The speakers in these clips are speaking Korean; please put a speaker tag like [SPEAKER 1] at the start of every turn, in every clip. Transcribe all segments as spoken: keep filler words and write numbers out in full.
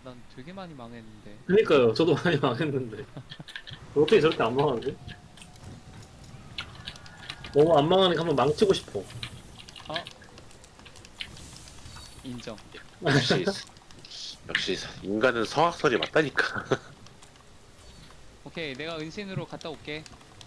[SPEAKER 1] 난 되게 많이 망했는데.
[SPEAKER 2] 그니까요. 저도 많이 망했는데. 어떻게 저렇게 안 망하지? 너무 안 망하니까 한번 망치고 싶어.
[SPEAKER 1] 어? 인정.
[SPEAKER 3] 역시 역시 인간은 성악설이 맞다니까.
[SPEAKER 1] 오케이, 내가 은신으로 갔다 올게.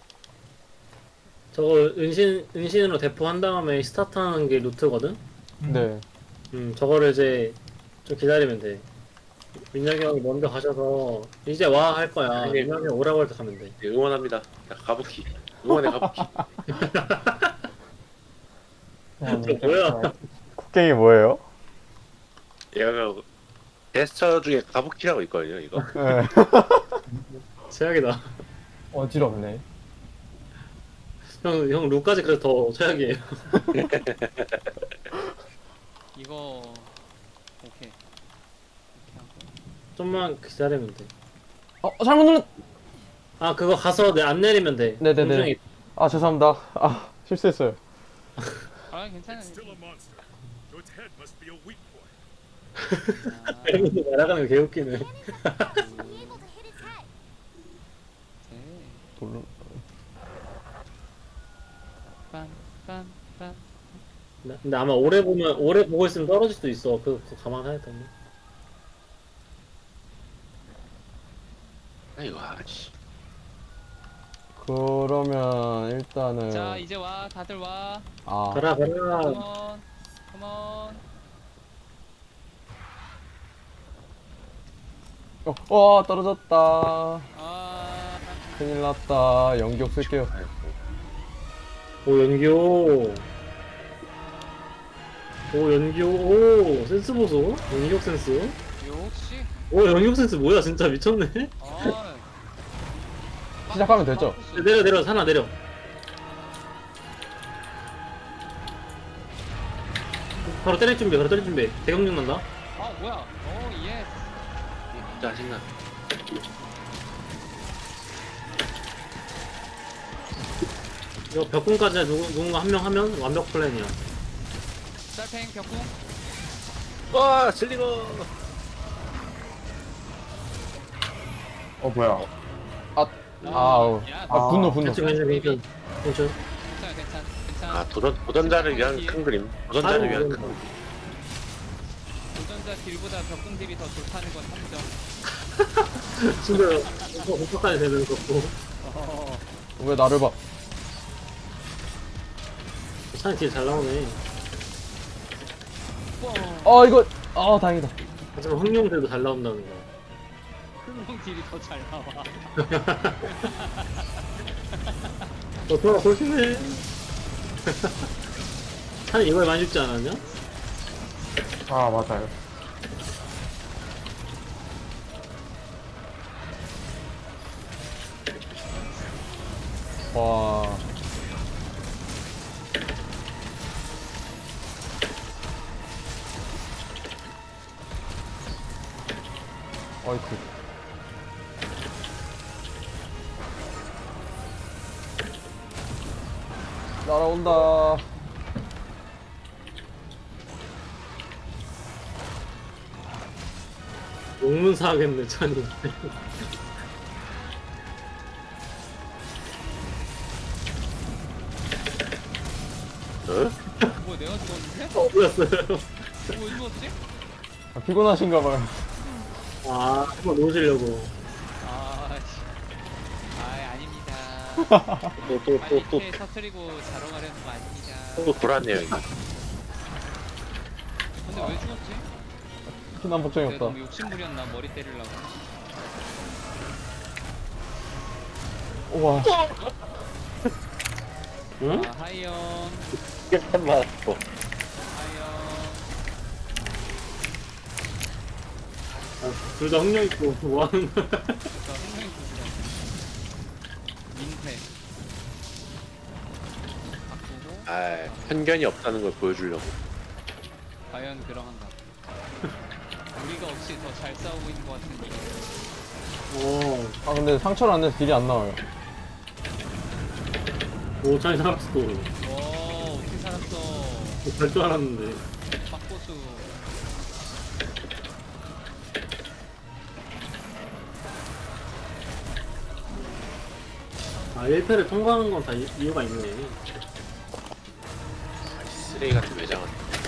[SPEAKER 2] 저거 은신, 은신으로 대포한 다음에 스타트하는 게 루트거든?
[SPEAKER 4] 네.
[SPEAKER 2] 음, 저거를 이제 좀 기다리면 돼. 민혁이 형이 먼저 가셔서 이제 와 할 거야.
[SPEAKER 3] 아니,
[SPEAKER 2] 민혁이 형 오라고 할 때 가면 돼.
[SPEAKER 3] 네, 응원합니다. 자, 가부키. 응원해 가부키.
[SPEAKER 2] 저 뭐야?
[SPEAKER 4] 국갱이 뭐예요?
[SPEAKER 3] 얘가 제스처 중에 가부키라고 있거든요. 이거.
[SPEAKER 4] 네.
[SPEAKER 2] 최악이다.
[SPEAKER 4] 어지럽네.
[SPEAKER 2] 형, 형 룩까지 그래서 더 최악이에요.
[SPEAKER 1] 이거 오케이. 이렇게 하고.
[SPEAKER 2] 좀만 기다리면 돼.
[SPEAKER 4] 어, 잘못 눌렀.
[SPEAKER 2] 아, 그거 가서 내 안 내리면 돼.
[SPEAKER 4] 네네네.
[SPEAKER 2] 공중에
[SPEAKER 4] 아, 죄송합니다. 아, 실수했어요.
[SPEAKER 1] 아, 괜찮아.
[SPEAKER 5] Still a monster. So its head must be a weak point.
[SPEAKER 1] 아,
[SPEAKER 2] 헬멧이 날아가는 거 개웃기네.
[SPEAKER 1] 네.
[SPEAKER 4] 놀-
[SPEAKER 1] 빰, 빰, 빰.
[SPEAKER 2] 나- 근데 아마 오래 보면 오래 보고 있으면 떨어질 수도 있어. 그거, 그거 감안해야 돼.
[SPEAKER 3] 아이고 아씨.
[SPEAKER 4] 그러면 일단은
[SPEAKER 1] 자, 이제 와. 다들 와.
[SPEAKER 4] 아,
[SPEAKER 2] 가라 가라.
[SPEAKER 1] 컴온. 컴온.
[SPEAKER 4] 어, 어, 떨어졌다.
[SPEAKER 1] 아,
[SPEAKER 4] 큰일 났다. 연기력 쓸게요.
[SPEAKER 3] 아이고.
[SPEAKER 2] 오 연기호. 오 연기호. 오 센스 보소. 연기호 센스.
[SPEAKER 1] 역시.
[SPEAKER 2] 오 연기호 센스 뭐야 진짜 미쳤네.
[SPEAKER 1] 아.
[SPEAKER 4] 시작하면 되죠?
[SPEAKER 2] 내려 내려 하나 내려. 바로 때릴 준비. 바로 때릴 준비. 대경련 난다.
[SPEAKER 1] 아, 뭐야? 오, 예스.
[SPEAKER 3] 짜증나.
[SPEAKER 2] 이거 벽공까지 누구 누군가 한 명 하면 완벽 플랜이야.
[SPEAKER 1] 쌀팽 벽궁.
[SPEAKER 3] 와 슬리거.
[SPEAKER 4] 어, 뭐야? 아, 아우.
[SPEAKER 1] 야,
[SPEAKER 4] 아, 분노, 분노.
[SPEAKER 2] 괜찮 괜찮 괜찮. 괜찮.
[SPEAKER 1] 괜찮아, 괜찮아, 괜찮아.
[SPEAKER 3] 아 도전 도전자를 위한 큰 그림. 도전자를 위한 큰 그림.
[SPEAKER 1] 도전자 딜보다 벽궁 딜이 더 좋다는 건 함정.
[SPEAKER 2] 진짜 공격까지 되는 거고.
[SPEAKER 1] 어,
[SPEAKER 4] 왜 나를 봐?
[SPEAKER 2] 찬이 딜잘 나오네.
[SPEAKER 1] 뻥.
[SPEAKER 4] 어, 이거, 아, 다행이다.
[SPEAKER 2] 하지만 흥룡들도 잘 나온다는 거.
[SPEAKER 1] 흥룡 딜이 더 잘 나와.
[SPEAKER 2] 어, 돌아 보시네. 찬이 이걸 많이 죽지 않았냐?
[SPEAKER 4] 아, 맞아요. 와. 어이쿠. 날아온다.
[SPEAKER 2] 용문사 하겠네, 찬이.
[SPEAKER 3] 어?
[SPEAKER 1] 뭐 내가 죽었는데?
[SPEAKER 2] 어, 뭐였어요?
[SPEAKER 1] 뭐 죽었지?
[SPEAKER 4] 아, 피곤하신가봐요.
[SPEAKER 2] 아, 한번 놓으시려고.
[SPEAKER 1] 아, 씨. 아, 아닙니다.
[SPEAKER 3] 또 또
[SPEAKER 1] 빨리
[SPEAKER 3] 또또
[SPEAKER 1] 패 터트리고 자러 가려는 거 아닙니다.
[SPEAKER 3] 또 돌았네요 이거.
[SPEAKER 1] 근데 왜 죽었지?
[SPEAKER 4] 피난 복종이
[SPEAKER 1] 내가
[SPEAKER 4] 없다.
[SPEAKER 1] 너무 욕심부렸나 머리 때리려고.
[SPEAKER 4] 우와.
[SPEAKER 2] 응?
[SPEAKER 1] 아, 하이영,
[SPEAKER 3] 한 맞았어.
[SPEAKER 1] 하이영.
[SPEAKER 2] 아, 둘 다 흥룡 있고, 뭐 하는 거야?
[SPEAKER 1] 저 흥룡이 부수던 민폐. 바꾸고
[SPEAKER 3] 아 편견이 없다는 걸 보여주려고.
[SPEAKER 1] 과연 그러한가? 우리가 혹시 더 잘 싸우고 있는 것 같은데.
[SPEAKER 2] 어,
[SPEAKER 4] 아, 근데 상처를 안 내서 딜이 안 나와요.
[SPEAKER 2] 오, 찬이 살았어.
[SPEAKER 1] 오, 어떻게 살았어?
[SPEAKER 2] 갈 줄 알았는데.
[SPEAKER 1] 박보수.
[SPEAKER 2] 아 일 패를 통과하는 건 다 이유가 있네.
[SPEAKER 3] 아이, 쓰레기 같은 외장은.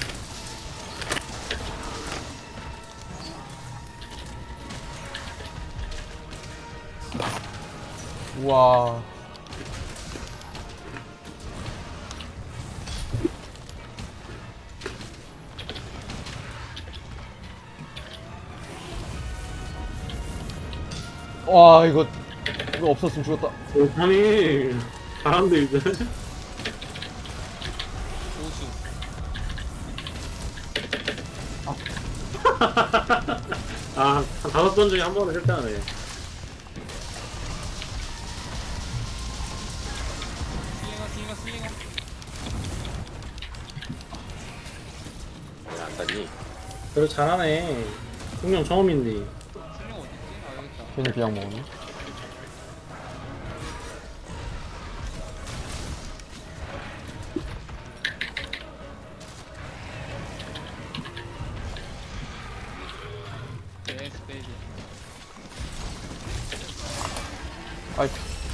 [SPEAKER 4] 우와. 와, 이거 이거 없었으면 죽었다.
[SPEAKER 2] 오 아니 잘한데 이제.
[SPEAKER 1] 고수.
[SPEAKER 2] 아한 다섯 번 중에 한 번은 실패하네.
[SPEAKER 1] 슬링어 슬링어 슬링어.
[SPEAKER 3] 왜 안 닿니?
[SPEAKER 2] 그래도 잘하네. 분명 처음인데.
[SPEAKER 1] 슬링어 어딨지? 아 여기 있다.
[SPEAKER 4] 괜히 비약 먹었네.
[SPEAKER 1] 예스 베이비.
[SPEAKER 4] 아이.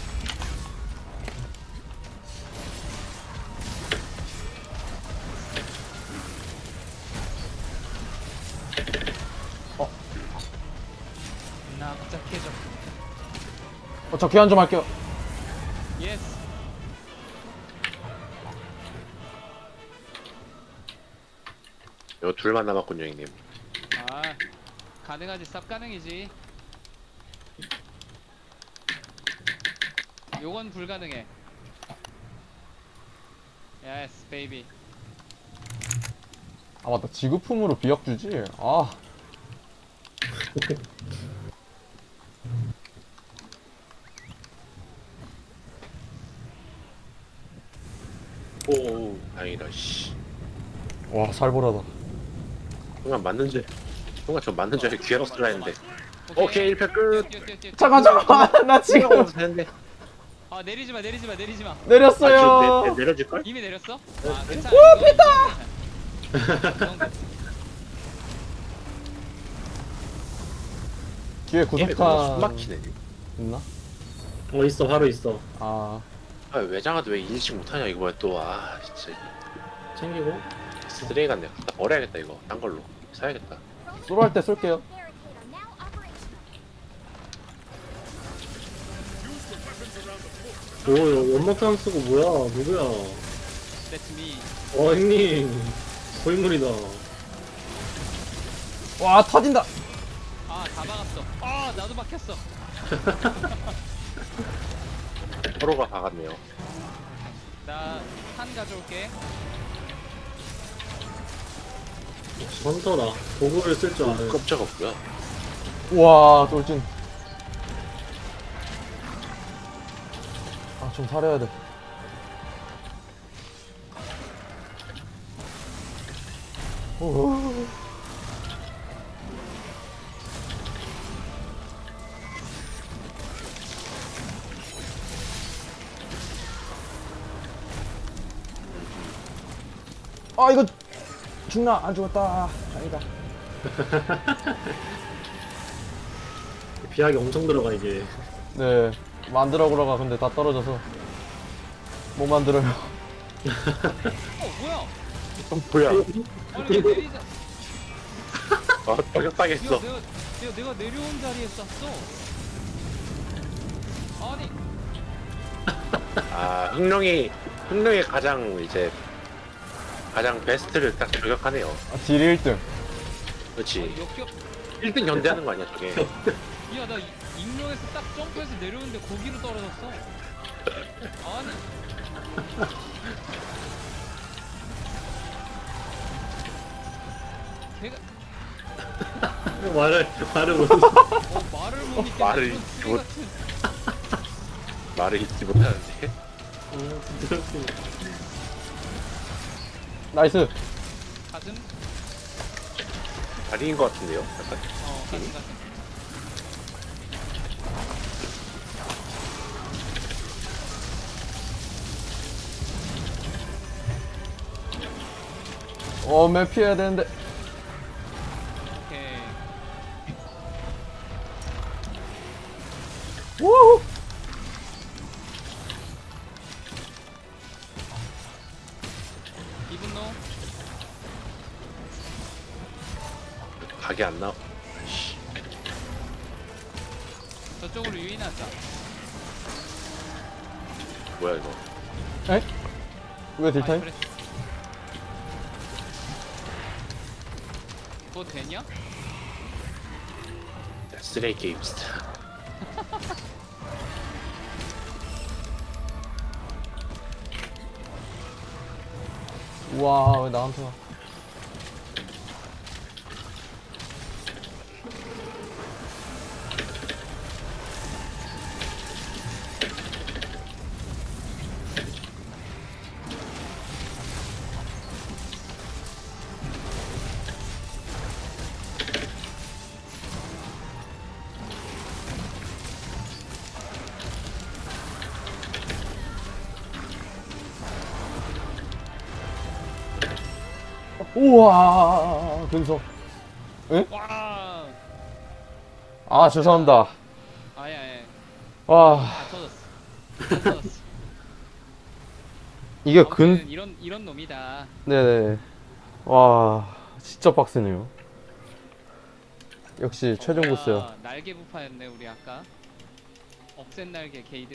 [SPEAKER 1] 나 깜짝해져.
[SPEAKER 4] 어, 저 귀환 좀 할게요.
[SPEAKER 1] 예스.
[SPEAKER 3] 요 둘만 남았군요, 형님.
[SPEAKER 1] 아 가능하지. 쌉 가능이지. 요건 불가능해. 예스 베이비.
[SPEAKER 4] 아 맞다. 지구품으로 비약 주지. 아.
[SPEAKER 3] 오, 다행이다, 씨.
[SPEAKER 4] 와, 살벌하다.
[SPEAKER 3] 순간 맞는 줄, 순간 저 맞는 줄 알고 기회로 쓰라 했는데. 오케이, 일 패 끝.
[SPEAKER 1] 뛰어 뛰어 뛰어.
[SPEAKER 4] 잠깐 잠깐. 나 지금
[SPEAKER 3] 지금 되는데.
[SPEAKER 1] 아 내리지 마 내리지 마 내리지 마.
[SPEAKER 3] 아,
[SPEAKER 4] 내렸어요.
[SPEAKER 3] 지금 내, 내, 내려줄걸?
[SPEAKER 1] 이미 내렸어?
[SPEAKER 3] 네.
[SPEAKER 1] 아 괜찮아. 오 뺐다.
[SPEAKER 4] 뒤에
[SPEAKER 3] 게임이 너무 숨
[SPEAKER 4] 구석탄
[SPEAKER 3] 막히네.
[SPEAKER 4] 있나?
[SPEAKER 2] 어 있어 바로 있어.
[SPEAKER 4] 아,
[SPEAKER 3] 아, 외장하도 왜 인식 못하냐, 이거 뭐야, 또. 아, 진짜.
[SPEAKER 2] 챙기고.
[SPEAKER 3] 쓰레기 같네. 나 버려야겠다, 이거. 딴 걸로. 사야겠다.
[SPEAKER 4] 쏘로 할 때 쏠게요.
[SPEAKER 2] 오 이거 연막탄 쓰고 뭐야 누구야?
[SPEAKER 1] That's me.
[SPEAKER 2] 어 형님 고인물이다.
[SPEAKER 4] 와, 터진다.
[SPEAKER 1] 아 다 박았어. 아 나도 박혔어.
[SPEAKER 3] 서로가 박았네요.
[SPEAKER 1] 나 탄 가져올게.
[SPEAKER 2] 헌터다. 도구를 쓸 줄 아는.
[SPEAKER 3] 깜짝아, 뭐야.
[SPEAKER 4] 와, 돌진. 아, 좀 살려야 돼. 오. 아, 이거 죽나? 안 죽었다. 아니다.
[SPEAKER 2] 비약이 엄청 들어가 이게.
[SPEAKER 4] 네, 만들어 보러가 근데 다 떨어져서 못 만들어요.
[SPEAKER 1] 어 뭐야?
[SPEAKER 3] 어, 뭐야.
[SPEAKER 1] 아니 왜 내리자.
[SPEAKER 3] 아, 저격당했어.
[SPEAKER 1] 내가, 내가 내가 내가 내려온 자리에 쐈어. 아니
[SPEAKER 3] 아, 흥룡이, 흥룡이 가장 이제, 가장 베스트를 딱 저격하네요.
[SPEAKER 4] 아, 딜 일 등.
[SPEAKER 3] 그렇지.
[SPEAKER 1] 역겹.
[SPEAKER 3] 일 등 견제하는 거 아니야, 저게.
[SPEAKER 1] 야나 익명에서 딱 점프해서 내려오는데 거기로 떨어졌어. 아니. 걔가
[SPEAKER 2] 말을 말을 못.
[SPEAKER 1] 어, 말을 못
[SPEAKER 3] 어,
[SPEAKER 1] 믿겠네.
[SPEAKER 3] 말을
[SPEAKER 1] 이건 쓰레기
[SPEAKER 3] 못-
[SPEAKER 1] 같은.
[SPEAKER 3] 말을 잊지 못하는데.
[SPEAKER 4] 나이스.
[SPEAKER 1] 가슴?
[SPEAKER 3] 다리인 것 같은데요? 약간.
[SPEAKER 1] 어 가슴 가슴.
[SPEAKER 4] 어, 맨 피해야 되는데.
[SPEAKER 1] 오케이.
[SPEAKER 4] 우후.
[SPEAKER 3] 그게 안 나와.
[SPEAKER 1] 저쪽으로 유인하자.
[SPEAKER 3] 뭐야 이거?
[SPEAKER 4] 에? 왜 딜타임?
[SPEAKER 1] 아이, 그래. 그거 되냐?
[SPEAKER 3] 쓰레기 게임 진짜.
[SPEAKER 4] 우와 왜 나한테 와. 우와 근성.
[SPEAKER 1] 와.
[SPEAKER 4] 아 죄송합니다.
[SPEAKER 1] 아예 아예.
[SPEAKER 4] 와
[SPEAKER 1] 다 터졌어. 다 터졌어.
[SPEAKER 4] 이게
[SPEAKER 1] 아무튼
[SPEAKER 4] 근
[SPEAKER 1] 이런 이런 놈이다.
[SPEAKER 4] 네네. 와 진짜 빡세네요. 역시 최종 보스요.
[SPEAKER 1] 아, 날개 부파였네 우리 아까. 억센 날개 게이드.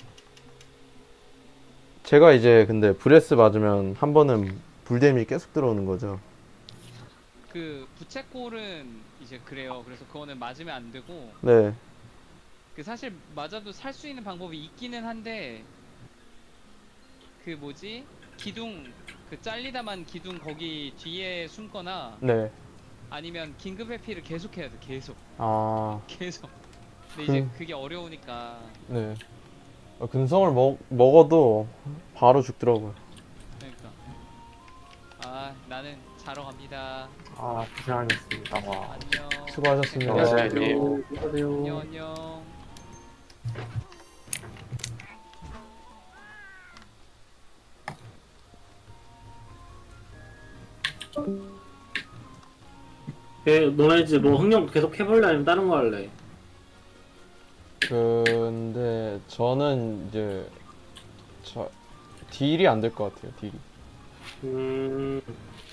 [SPEAKER 4] 제가 이제 근데 브레스 맞으면 한 번은 불뎀이 계속 들어오는 거죠.
[SPEAKER 1] 그 부채꼴은 이제 그래요. 그래서 그거는 맞으면 안 되고
[SPEAKER 4] 네.
[SPEAKER 1] 그 사실 맞아도 살 수 있는 방법이 있기는 한데 그 뭐지 기둥 그 잘리다만 기둥 거기 뒤에 숨거나
[SPEAKER 4] 네.
[SPEAKER 1] 아니면 긴급 회피를 계속 해야 돼. 계속
[SPEAKER 4] 아
[SPEAKER 1] 계속. 근데 이제
[SPEAKER 4] 음.
[SPEAKER 1] 그게 어려우니까.
[SPEAKER 4] 네. 어, 근성을 먹 먹어도 바로 죽더라고요.
[SPEAKER 1] 그러니까 아 나는 자러 갑니다.
[SPEAKER 2] 아 고생하셨습니다. 와.
[SPEAKER 1] 안녕.
[SPEAKER 4] 수고하셨습니다.
[SPEAKER 3] 안녕하세요.
[SPEAKER 1] 안녕
[SPEAKER 2] 안녕하세요.
[SPEAKER 1] 안녕.
[SPEAKER 2] 그 너네 이제 뭐 흥령 계속 해볼래 아니면 다른 거 할래?
[SPEAKER 4] 근데 저는 이제 저 딜이 안 될 것 같아요. 딜이.
[SPEAKER 2] 음